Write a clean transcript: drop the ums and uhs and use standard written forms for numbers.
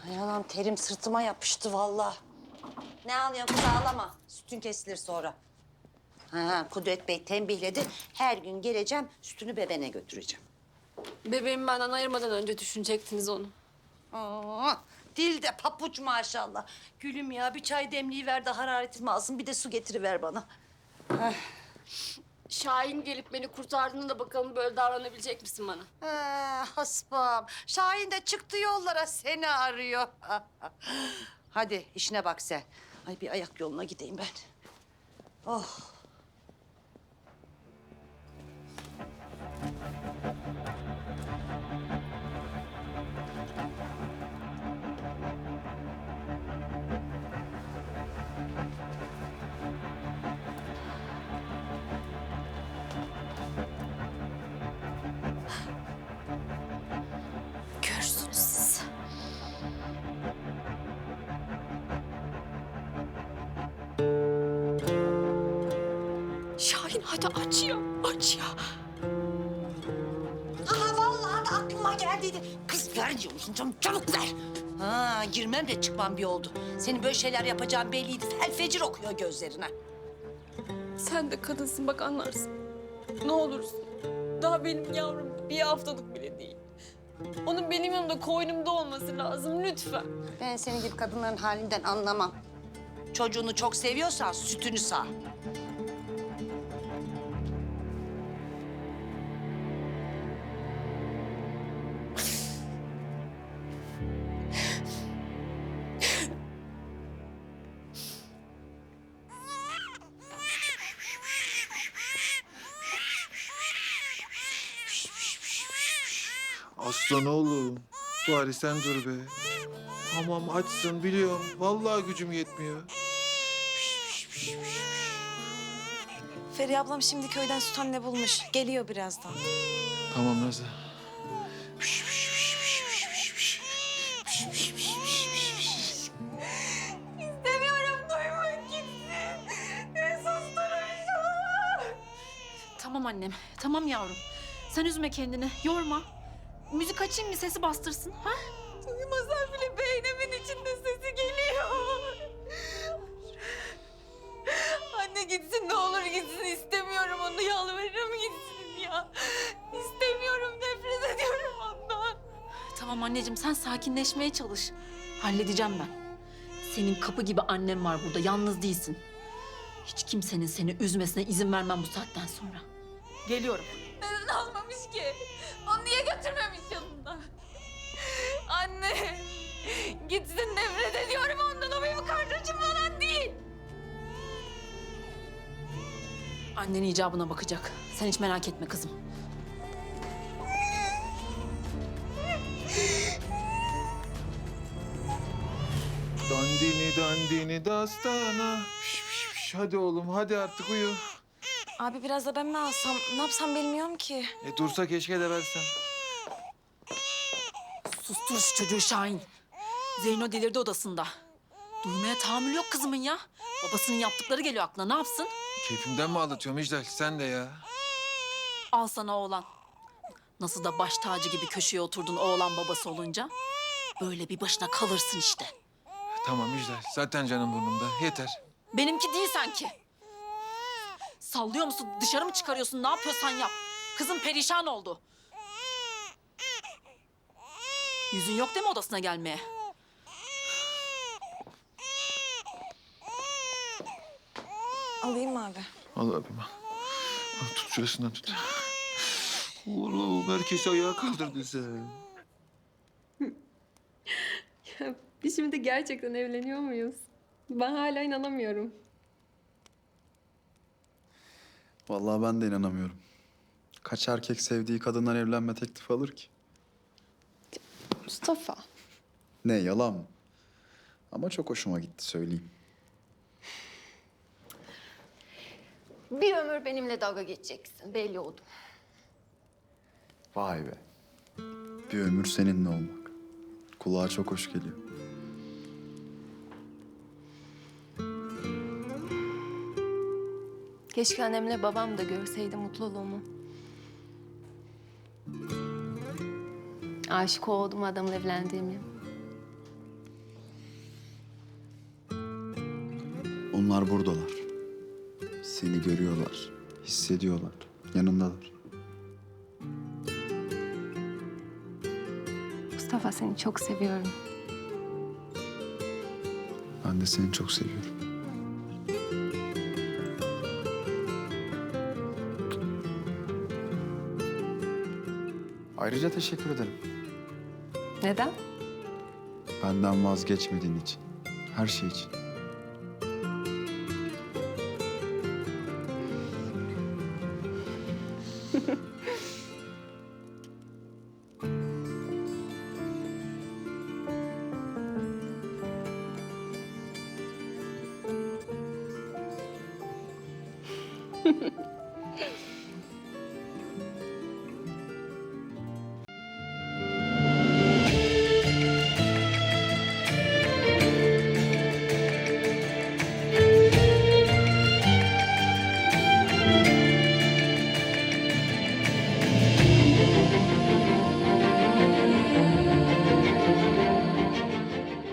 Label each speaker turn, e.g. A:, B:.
A: Ay anam terim sırtıma yapıştı vallahi. Ne ağlıyorsun kız ağlama. Sütün kesilir sonra. Ha, Kudret Bey tembihledi. Her gün geleceğim sütünü bebeğine götüreceğim.
B: Bebeğimi benden ayırmadan önce düşünecektiniz onu.
A: Aa, dilde papuç maşallah. Gülüm ya bir çay demliği ver de hararetimi alsın. Bir de su getiriver bana.
B: Şahin gelip beni kurtardığında da bakalım böyle davranabilecek misin bana?
A: Haspam. Şahin de çıktı yollara seni arıyor. Hadi işine bak sen. Ay bir ayak yoluna gideyim ben. Oh.
B: Görürsünüz siz. Şahin hadi aç ya, aç ya.
A: Aha vallahi da aklıma geldiydi. Kız ver diyor musun canım? Çabuk ver. Ha girmem de çıkmam bir oldu. Senin böyle şeyler yapacağın belliydi. Fel fecir okuyor gözlerine.
B: Sen de kadınsın bak anlarsın. Ne olursun. Daha benim yavrum bir haftalık bile değil. Onun benim yanımda koynumda olması lazım lütfen.
A: Ben senin gibi kadınların halinden anlamam. Çocuğunu çok seviyorsan sütünü sağ.
C: Aslan oğlum. Bari sen dur be. Tamam açsın biliyorum. Vallahi gücüm yetmiyor.
D: Feriha ablam şimdi köyden süt anne bulmuş. Geliyor birazdan.
C: Tamam Nazlı.
D: İstemiyorum duymak gitsin. Susturun şunu.
E: Tamam annem, tamam yavrum. Sen üzme kendini, yorma. Müzik açayım mı, sesi bastırsın, ha?
D: Uyumasam bile beynimin içinde sesi geliyor. Anne gitsin ne olur gitsin. İstemiyorum onu yalvarırım gitsin ya. İstemiyorum nefret ediyorum ondan.
E: Tamam anneciğim, sen sakinleşmeye çalış. Halledeceğim ben. Senin kapı gibi annem var burada, yalnız değilsin. Hiç kimsenin seni üzmesine izin vermem bu saatten sonra. Geliyorum.
D: Neden almamış ki? Onu niye götürmemiş yanında? Anne gitsin nefret ediyorum ondan. O benim kardeşim falan değil.
E: Annen icabına bakacak. Sen hiç merak etme kızım.
C: Dandini dandini dastana. Hadi oğlum hadi artık uyu.
D: Abi biraz da ben mi alsam? Ne yapsam bilmiyorum ki.
C: Dursa keşke de versen.
E: Sustur şu çocuğu Şahin. Zeyno delirdi odasında. Duymaya tahammül yok kızımın ya. Babasının yaptıkları geliyor aklına, ne yapsın?
C: Keyfimden mi ağlatıyorum İclal? Sen de ya.
E: Al sana oğlan. Nasıl da baş tacı gibi köşeye oturdun oğlan babası olunca. Böyle bir başına kalırsın işte.
C: Tamam İclal. Zaten canım burnumda. Yeter.
E: Benimki değil sanki. Sallıyor musun? Dışarı mı çıkarıyorsun? Ne yapıyorsan yap. Kızım perişan oldu. Yüzün yok değil mi odasına gelmeye?
D: Alayım mı abi?
C: Al abim al. Al, tut şurasından tut. Oğlum herkesi ayağa kaldırdı sen.
B: Biz şimdi gerçekten evleniyor muyuz? Ben hala inanamıyorum.
F: Vallahi ben de inanamıyorum. Kaç erkek sevdiği kadından evlenme teklifi alır ki?
B: Mustafa.
F: Ne yalan mı? Ama çok hoşuma gitti söyleyeyim.
B: Bir ömür benimle dalga geçeceksin. Belli oldu.
F: Vay be. Bir ömür seninle olmak. Kulağa çok hoş geliyor.
B: Keşke annemle babam da görseydi mutluluğumu. Aşık olduğum adamla evlendiğimi.
F: Onlar buradalar. Seni görüyorlar, hissediyorlar, yanındalar.
G: Mustafa seni çok seviyorum.
F: Ben de seni çok seviyorum. Ayrıca teşekkür ederim.
G: Neden?
F: Benden vazgeçmediğin için. Her şey için.